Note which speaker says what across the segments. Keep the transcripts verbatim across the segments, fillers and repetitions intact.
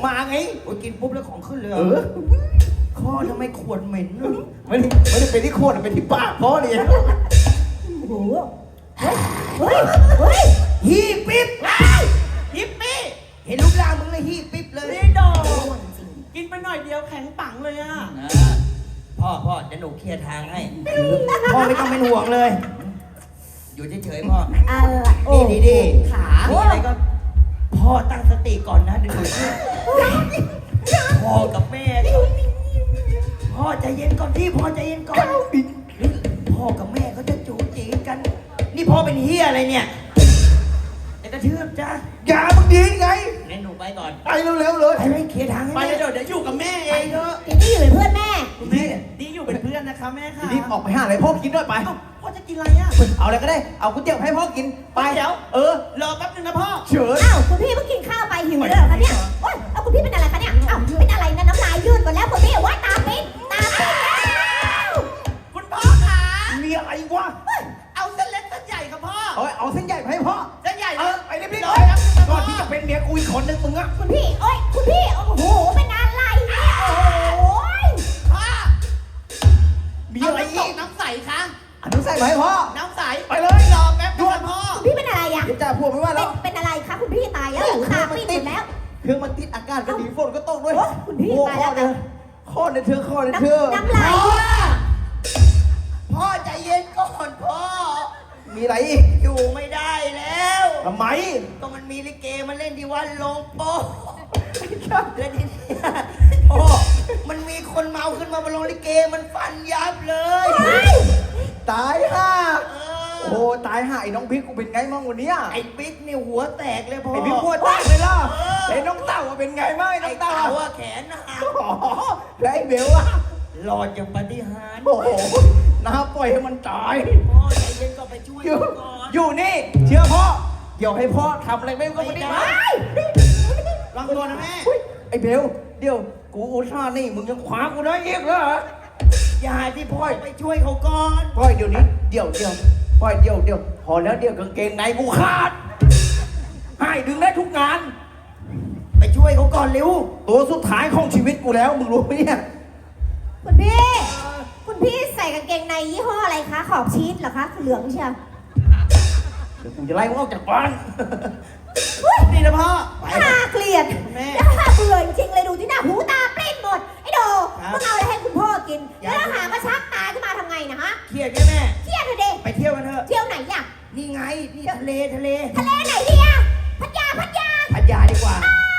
Speaker 1: มาไง
Speaker 2: โอ้ยกินปุ๊บแล้วของขึ้นเลย
Speaker 1: เออ
Speaker 2: ข้อทำไมขวดเหม็น
Speaker 1: ไม่ได้ไม่ได้เป็นที่โคตรเป็นที่ปากพ่อเลย
Speaker 3: โอ้โหเฮ้ยเฮ้ยเฮ้ย
Speaker 2: ฮีปิ๊บฮิปปี้เห็นรูปร่างมึงเลยฮีปิ๊บเลย
Speaker 4: นี่ดอกกินไปหน่อยเดียวแข็งปังเลยอ่ะ
Speaker 2: พ่อพ่อจะหนูเคลียร์ทางให้พ่อไม่ต้องเป็นห่วงเลย อยู่เฉยๆพ่อ
Speaker 3: อะไรโอ้
Speaker 2: ดีดีดีขาอะไรก็พ่อตั้งสติก่อนนะเดี๋ยวหนูพ่อกับแม่เขาพ่อใจเย็นก่อนที่พ่อใจเย็นก่อนพ่อกับแม่เขาจะจูจีกัน นี่พ่อเป็นเฮียอะไรเนี่ยจะกระทืบจ้า
Speaker 1: อย่ามึงดีไง
Speaker 2: งั้นหนูไปก่อน
Speaker 1: ไปเร็วๆเลย
Speaker 2: ไปเลยเคลียร์ทางให้
Speaker 4: ไป
Speaker 2: แม่
Speaker 4: เดี๋ยวเดี๋ยวอยู่กับแม่เอ
Speaker 2: ไป
Speaker 4: ง
Speaker 2: เถอะ
Speaker 3: ทีนี้อยู่เป็นเพื่อนแม่
Speaker 4: คุณแม่ดีอยู่เป็นเพื่อนนะคะแม่ค่ะ
Speaker 1: รีบออกไปหาอะไรพ่อกินด้วยไป
Speaker 4: เอ้าพ่อจะกินอะไรอ่ะ
Speaker 1: เอาอะไรก็ได้เอาก๋วยเตี๋ยวให้พ่อกินไป
Speaker 4: เดี๋ยว
Speaker 1: เออ
Speaker 4: รอแป๊บนึงนะพ่อ
Speaker 1: เฉิน
Speaker 3: อ้าวคุณพี่เพิ่งกินข้าวไปหิวเลยเหรอคะเนี่ยโอ๊ยเอาคุณพี่เป็นอะไรคะเนี่ยอ้าวเป็นอะไรนะน้ำลายยืดหมดแล้วคุณพี่ว่าตาปิดตาปิดแล้ว
Speaker 4: คุณพ่อคะ
Speaker 1: มีอะไรวะ
Speaker 4: เอาเส้นเล็กเส้นใหญ่ครับพ่อ
Speaker 1: เอาเอาเส้นใหญ่ไปให้พ่อ
Speaker 4: เส้นใหญ่
Speaker 1: เออไปรีบๆ
Speaker 4: ร
Speaker 1: เล
Speaker 4: อย แป๊บนึงนะ
Speaker 1: ก่
Speaker 4: พ่
Speaker 1: อ
Speaker 4: อน
Speaker 1: ที่จะเป็นเมียกูอีกคนนึงมึงอะ
Speaker 3: คุณพี่โอ๊ยคุณพี่โอ้โหเป็นอะไรเนี่ยโอ้ย
Speaker 4: พ่อ
Speaker 1: มีอะไร
Speaker 4: เาน้ำต
Speaker 1: อี
Speaker 4: ก
Speaker 1: ก
Speaker 4: น้ำใสคะ
Speaker 1: อันนู้นใส่มาให้พ่อ
Speaker 4: น้ำใส
Speaker 1: ไปเลย
Speaker 4: รอแป๊บนึงนะพ่อ
Speaker 3: คุณพี่เป็นอะไรอ่ะ
Speaker 1: เดี๋ยวจ่าพวกไม่ว่า
Speaker 3: เป็
Speaker 1: แล้
Speaker 3: น
Speaker 1: ว
Speaker 3: เป็นอะไรคะคุณพี่ตายแล้วตาปิดหมดแล้ว
Speaker 1: เครื่องมันติดอากาศก็ดีฝนก็ตกด้วย
Speaker 3: โอ๊ยคุณพี่
Speaker 1: โอ้
Speaker 3: ตายแล้ว
Speaker 1: ข้อเดียวข้อในเธอข้อในเธอ
Speaker 3: น้ำลาย
Speaker 2: พ่อพ่อใจเย็นก่อนพ่อ
Speaker 1: มีอะไรอีก
Speaker 2: อยู่ไม่ได้แล้ว
Speaker 1: ทำไม
Speaker 2: ก็มันมีลิเกมาเล่นที่วัดลงโป๊ะแล้วทีนี้พ่อมันมีคนเมาขึ้นมาบนโรงลิเกมันฟันยับเลย
Speaker 1: ตายห่า
Speaker 2: เอ
Speaker 1: โอ้ตายห่าไอ้น้องพริกกูเป็นไงมั่งวันเนี้ย
Speaker 2: ไอ้ปิ๊กนี่หัวแตกเลยพ่อ
Speaker 1: ไอ้พี่พวดแตกเลยล่ะไอ้น้องเต่าอะเป็นไงบ้างไอ้น้
Speaker 2: ไอ้
Speaker 1: องเต่า
Speaker 2: เต่า
Speaker 1: อะ
Speaker 2: อะแขนหัก
Speaker 1: อ๋อแล้วไอ้เบลอะ
Speaker 2: หลอดอย่างปาฏิหาริย์
Speaker 1: โอ้โหน้าปล่อยให้มันตาย
Speaker 2: พ่อใจเย็นก็ไปช่วย
Speaker 1: อยู่
Speaker 2: ก่อน
Speaker 1: อยู่นี่ เชื่อพ่อ เดี๋ยวให้พ่อทำอะไรไม่ก็ไม่ได้
Speaker 4: ลองตัวนะแม่
Speaker 1: ไอ้เบล เดี๋ยวกูอุตส่าห์นี่มึงยังขวางกูได้อีกเหรอ
Speaker 2: อย่าที่พ่อไปช่วยเขาก่อน
Speaker 1: ปล่อยเดี๋ยวนี้ เดี๋ยวเดี๋ยวปล่อยเดี๋ยวเดี๋ยวพอแล้วเดี๋ยวกางเกงในกูขาด ให้ดึงได้ทุกงาน
Speaker 2: ไปช่วยเขาก่อนเร็ว
Speaker 1: ตัวสุดท้ายของชีวิตกูแล้ว มึงรู้ไหมเนี่ย
Speaker 3: คุณพี่ คุณพี่ใส่กางเกงในยี่ห้ออะไรคะ ขอบชีสเหรอคะ เหลืองเชียว
Speaker 1: เดี๋ยวกูจะไล่มึงออกจากบ้าน
Speaker 4: นี่นะพ่อ
Speaker 3: น่าเกลียด
Speaker 4: แม่
Speaker 3: น่าเบื่อจริงๆเลยดูที่หน้าหูตาปลิ้นหมด ไอ้โดมึงเอาอะไรให้คุณพ่อกิน แล้วหามาชักตาขึ้นมาทำไงนะฮะ
Speaker 2: เครียดแค่แม่
Speaker 3: เครียดเลยเด็
Speaker 2: ไปเที่ยวกันเถอะ
Speaker 3: เที่ยวไหนอยาก
Speaker 2: นี่ไง นี่ทะเลทะเล
Speaker 3: ทะเลไหนดีอะพัทยาพัทยา
Speaker 2: พัทยาดีกว่า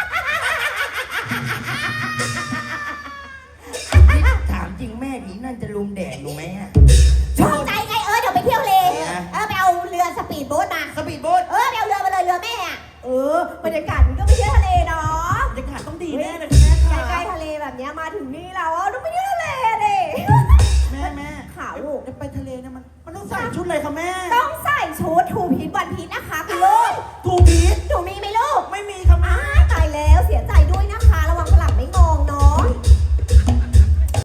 Speaker 2: นี่ถามจริงแม่ผีนั่นจะลุมแดดหนูไหมอะ
Speaker 3: ชอบใจไงเออเดี๋ยวไปเที่ยวเล
Speaker 2: นะ
Speaker 3: เออไปเอาเรือสปีดโบ๊ทมา
Speaker 2: สปีดโบ๊ท
Speaker 3: เออไปเอาเรือมาเลยเรือแม่อะเออบรรยากาศมันก็ไม่ใช่ทะเลเนาะ
Speaker 4: บรรยากาศต้องดีแน่เลยคุณแม่ค่ะ
Speaker 3: ใกล้ๆทะเลแบบเนี้ยมาถึงนี่แล้วอะต้องไปเที่ยวทะเลดิ
Speaker 4: แม่แม่
Speaker 3: ขาว
Speaker 4: จะไปทะเลเนี่ยมันมันต้องใส่ชุดอะไรคะแม่
Speaker 3: ต้อง